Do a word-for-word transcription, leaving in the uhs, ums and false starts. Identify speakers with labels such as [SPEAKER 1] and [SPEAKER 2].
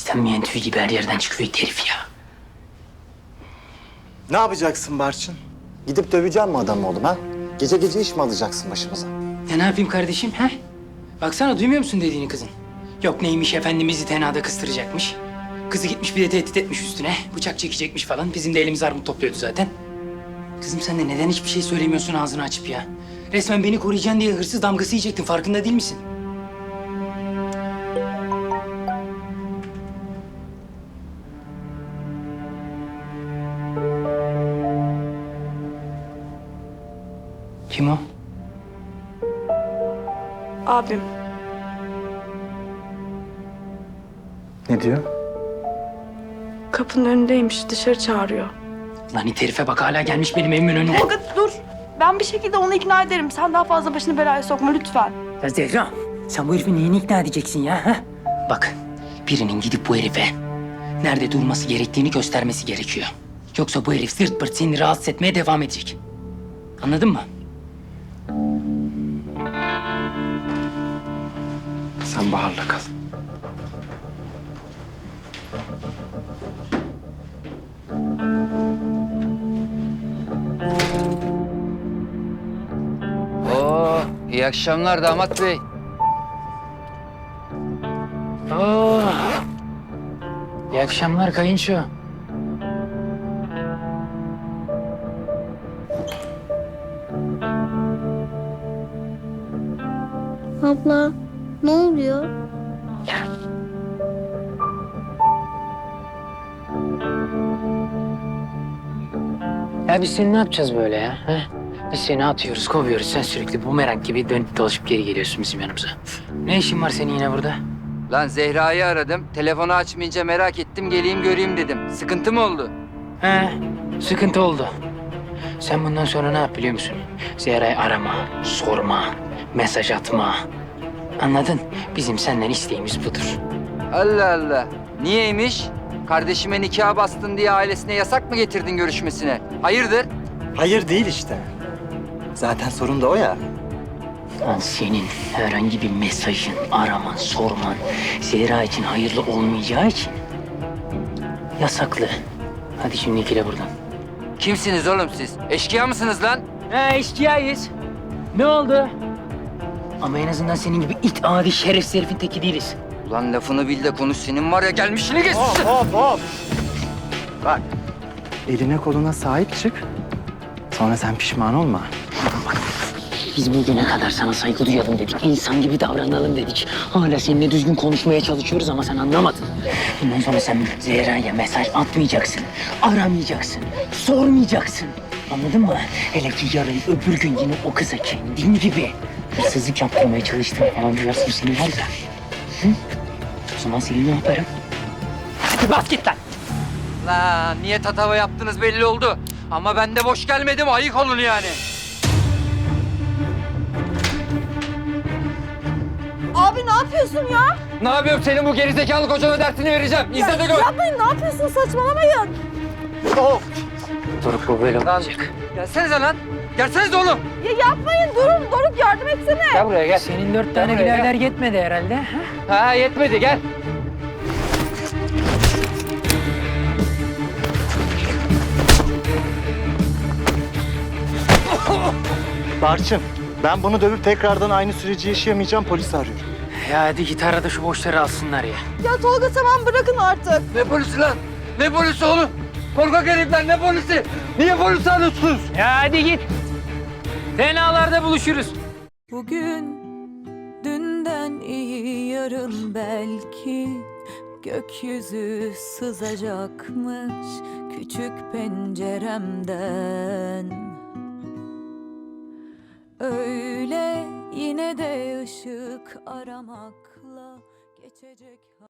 [SPEAKER 1] İstenmeyen tüy gibi her yerden çıkıyor herif ya.
[SPEAKER 2] Ne yapacaksın Barçın? Gidip döveceğim mi adamı oğlum ha? Gece gece iş mi alacaksın başımıza?
[SPEAKER 1] Ya ne yapayım kardeşim he? Baksana duymuyor musun dediğini kızın? Yok neymiş efendimizi tenada kıstıracakmış. Kızı gitmiş bir de tehdit etmiş üstüne. Bıçak çekecekmiş falan. Bizim de elimiz armut topluyordu zaten. Kızım sen de neden hiçbir şey söylemiyorsun ağzını açıp ya? Resmen beni koruyacaksın diye hırsız damgası yiyecektin. Farkında değil misin? Kim o?
[SPEAKER 3] Abim.
[SPEAKER 2] Ne diyor?
[SPEAKER 3] Kapının önündeymiş. Dışarı çağırıyor.
[SPEAKER 1] Lan it herife bak hala gelmiş benim evimin önüne.
[SPEAKER 3] Tolga dur. Ben bir şekilde onu ikna ederim. Sen daha fazla başını belaya sokma lütfen.
[SPEAKER 1] Ya Zehra, sen bu herifi neyini ikna edeceksin ya? Ha? Bak, birinin gidip bu herife nerede durması gerektiğini göstermesi gerekiyor. Yoksa bu herif zırt pırt seni rahatsız etmeye devam edecek. Anladın mı?
[SPEAKER 2] Sen Bahar'la kal.
[SPEAKER 4] Oo, iyi akşamlar damat bey.
[SPEAKER 1] Oo. İyi akşamlar kayınço.
[SPEAKER 5] Abla, ne oluyor?
[SPEAKER 1] Ya biz seni ne yapacağız böyle ya? Ha? Biz seni atıyoruz, kovuyoruz. Sen sürekli bumerang gibi dönüp dolaşıp geri geliyorsun bizim yanımıza. Ne işin var senin yine burada?
[SPEAKER 4] Lan Zehra'yı aradım. Telefonu açmayınca merak ettim geleyim göreyim dedim. Sıkıntı mı oldu?
[SPEAKER 1] He, sıkıntı oldu. Sen bundan sonra ne yap biliyor musun? Zehra'yı arama, sorma, mesaj atma. Anladın? Bizim senden isteğimiz budur.
[SPEAKER 4] Allah Allah. Niyeymiş? Kardeşime nikah bastın diye ailesine yasak mı getirdin görüşmesine? Hayırdır?
[SPEAKER 2] Hayır değil işte. Zaten sorun da o ya.
[SPEAKER 1] Lan senin herhangi bir mesajın, araman, sorman Zehra için hayırlı olmayacağı için yasaklı. Hadi şimdi ikile buradan.
[SPEAKER 4] Kimsiniz oğlum siz? Eşkıya mısınız lan?
[SPEAKER 1] He eşkıyayız. Ne oldu? Ama en azından senin gibi it adi şerefsiz herifin teki değiliz.
[SPEAKER 4] Ulan lafını bil de konuş. Senin var ya gelmişini geçmişsin.
[SPEAKER 2] Hop hop. Bak. Eline koluna sahip çık. Sonra sen pişman olma.
[SPEAKER 1] Biz bugüne kadar sana saygı duyalım dedik. İnsan gibi davranalım dedik. Hala seninle düzgün konuşmaya çalışıyoruz ama sen anlamadın. Bundan sonra sen Zehra'ya mesaj atmayacaksın. Aramayacaksın. Sormayacaksın. Anladın mı? Hele ki yarın öbür gün yine o kıza kendin gibi hırsızlık yaptırmaya çalıştığını falan duyarsın seni var ya. Hı? O zaman seni ne yaparım? Hadi bas git lan.
[SPEAKER 4] Lan niye tatava yaptınız belli oldu. Ama ben de boş gelmedim. Ayık olun yani.
[SPEAKER 3] Abi ne yapıyorsun ya?
[SPEAKER 4] Ne yapıyorum? Senin bu gerizekalı kocana dersini vereceğim. İzle de gör.
[SPEAKER 3] Yapmayın ne yapıyorsun saçmalamayın.
[SPEAKER 2] Of.
[SPEAKER 1] Doruk bu böyle
[SPEAKER 4] Lan
[SPEAKER 1] olacak.
[SPEAKER 4] gelsenize lan. Gelsenize oğlum.
[SPEAKER 3] Ya yapmayın durun Doruk yardım etsene.
[SPEAKER 4] Gel buraya gel.
[SPEAKER 1] Senin dört tane
[SPEAKER 4] buraya,
[SPEAKER 1] birader yetmedi herhalde. Ha?
[SPEAKER 4] Ha yetmedi gel.
[SPEAKER 2] Barçın, ben bunu dövüp tekrardan aynı süreci yaşayamayacağım. Polisi arıyorum.
[SPEAKER 1] Ya hadi git ara da şu boşları alsınlar ya.
[SPEAKER 3] Ya Tolga tamam bırakın artık.
[SPEAKER 4] Ne polisi lan? Ne polisi oğlum? Korkak herifler ne polisi? Niye polisi arıyorsunuz?
[SPEAKER 1] Ya hadi git. Tenalarda buluşuruz.
[SPEAKER 6] Bugün dünden iyi yarın belki gökyüzü sızacakmış küçük penceremden. Öyle yine de ışık aramakla geçecek.